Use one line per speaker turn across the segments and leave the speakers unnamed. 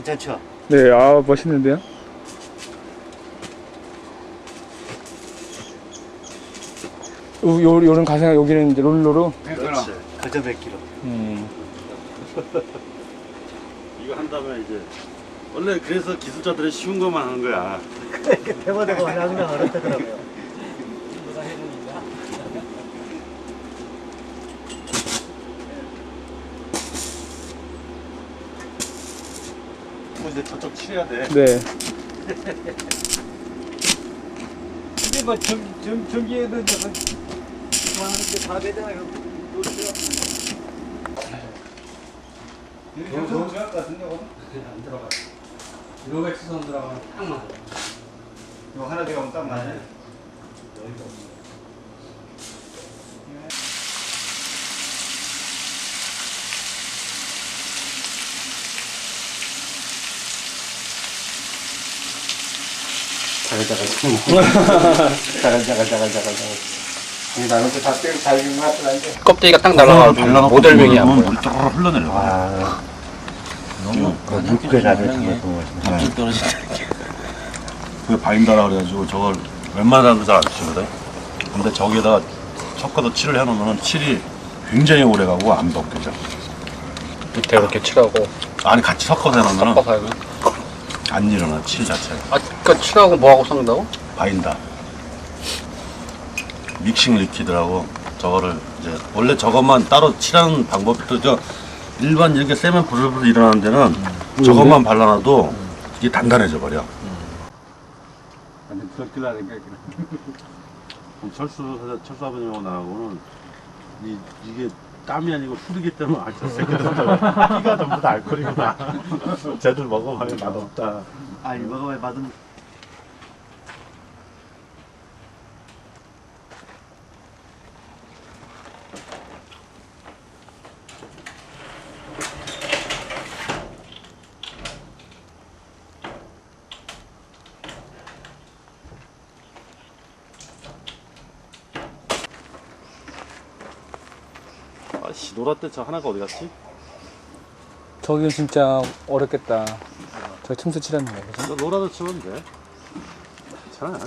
괜찮죠?
네, 아, 멋있는데요? 요런 가생, 여기는 이제 롤러로?
그렇지. 그저 몇 킬로.
이거 한 다음에 이제 원래 그래서 기술자들은 쉬운 것만 하는 거야.
대보대고 하면 어렵더라고요.
이제 저쪽 칠해야 돼.
네.
근데 뭐 전기에도 저거 하는데 다 되잖아요.
너무 생각 같은데
안 들어가요. 1,500 수선 들어가면 딱 맞아요.
이거 하나 들어가면 딱 맞네.
여유가 없어요.
나는 다 떼고 잘긴 맛을
껍데기가 딱 날아가고 모델명이 안 보여.
물이 쫙 흘러내려.
너무 물게 나게
갑자기 떨어지는 게. 그게 바인다라 그래가지고 저걸 웬만한 사람 잘 안 쓰거든. 근데 저기에다가 섞어서 칠을 해놓으면 칠이 굉장히 오래 가고 안 벗겨져.
밑에 이렇게 칠하고
아니 같이 섞어서 해놓으면
섞어서 하면.
안 일어나 칠 자체가.
아, 그러니까 칠하고 뭐하고 섞는다고?
바인다. 믹싱 리퀴드라고 저거를 이제 원래 저것만 따로 칠하는 방법도 저 일반 이렇게 세면 부들부들 일어나는 데는 저것만 발라놔도 이게 단단해져 버려.
완전 부럽길라니까.
철수 아버님하고 나하고는 이게 땀이 아니고 술이기 때문에 저 새끼들 피가 전부 다 알코올이구나. 쟤들 먹어봐야 맛없다.
아니 먹어봐야 맛은.
아씨 노라 때 저 하나가 어디 갔지?
저기는 진짜 어렵겠다. 저 틈새 칠하는 거, 그죠?
너 노라도 치면 돼. 괜찮아.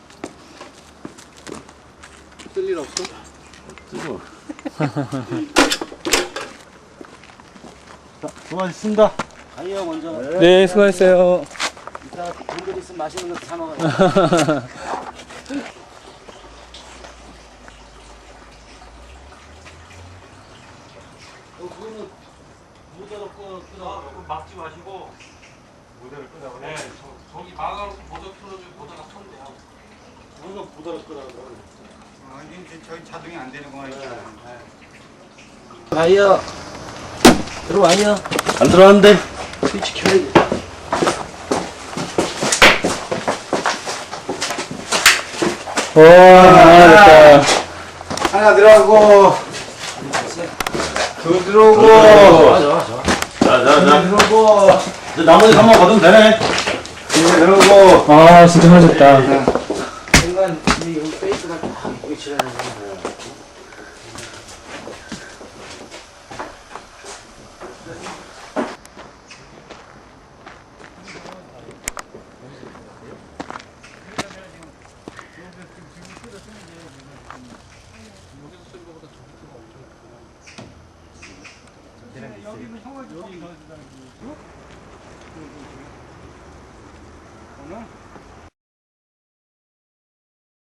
쓸 일 없어?
뜨거. 자, 수고하셨습니다.
아니요 먼저.
네, 수고하셨어요.
이따 돈들 있으면 맛있는 거 사 먹어요. 그거는 모자로 끊어.
막지 마시고
모델을 끄라고.
네, 저기 막아놓고 모자 틀어주고 모자가 쳤네요.
뭔가 모델을 끄라고.
저희 자동이 안 되는 거니까.
가요. 들어와요.
안 들어왔는데.
스위치 켜야지.
와, 됐다.
하나 들어가고 둘 들어오고
자자자.
들어오고
이제 나머지 3만 받으면 되네.
셋 들어오고.
아, 진짜 하셨다.
순간 이 여기 페이스가 딱 이쁘게 칠하는 거야. 여기는 형을 여기 넣어주자는 거죠?